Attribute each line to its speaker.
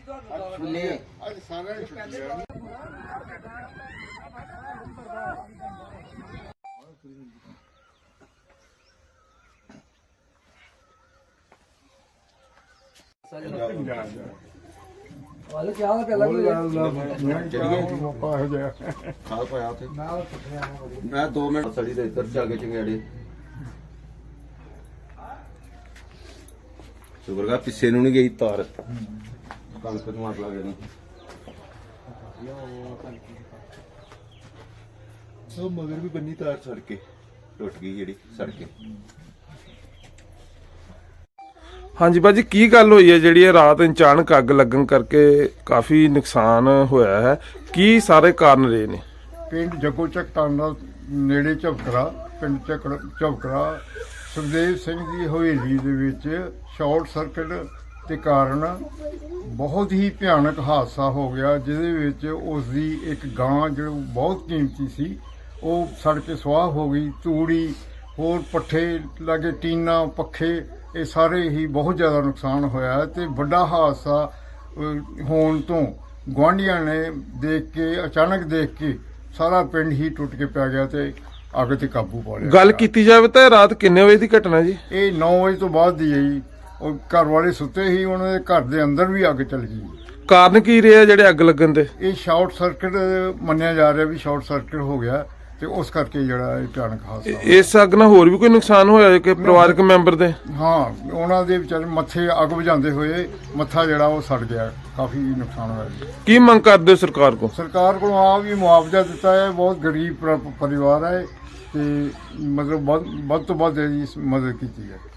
Speaker 1: मैं 2 मिनट सड़ी दे इधर जाके चंगेड़े शुक्र का पिछे नू नहीं गई तार कणक नू अग लगे मगर भी बनी तार सड़ के टुट गई जी सड़ के।
Speaker 2: हाँ जी भाजी की गल हुई है जी रात अचानक अग लगन करके काफ़ी नुकसान होया है की सारे कारण रहे ने?
Speaker 3: पिंड जगोचक टांडा नेड़े झबकरा पिंड झबकरा सुखदेव सिंह की हवेली दे विच शॉर्ट सर्किट के कारण बहुत ही भयानक हादसा हो गया जिहदे विच उसकी एक गां जो बहुत कीमती सी वो सड़ के सुआह हो गई। तूड़ी होर पट्ठे लागे टीना पखे ये सारे ही बहुत ज़्यादा नुकसान होया है। तो बड़ा हादसा होने तो गुआढ़ियां ने देख के अचानक देख के सारा पिंड ही टुट के पै गया तो अग ते काबू पा लिया।
Speaker 2: गल की जाए तो रात किन्ने बजे की घटना जी?
Speaker 3: ये 9 बजे तो बाद दी है जी। और घर वाले सुते ही उन्होंने घर के अंदर भी अग चल गई।
Speaker 2: कारण की रहा जेडे अग लगन दे?
Speaker 3: ये शॉर्ट सर्किट मन्निया जा रहा भी शॉर्ट सर्किट हो गया तो उस करके जड़ा भयानक हादसा।
Speaker 2: इस अग नाल होर भी कोई नुकसान होया कि परिवारक मैंबर दे?
Speaker 3: हाँ उन्होंने दे विचारे मत्थे अग बुझाते हुए मत्था जड़ा वो सड़ गया काफ़ी नुकसान होया।
Speaker 2: की मंग करदे हो सरकार को?
Speaker 3: सरकार को आ भी मुआवजा दिता है। बहुत गरीब परिवार है तो मतलब बहुत तो बहुत मदद की है।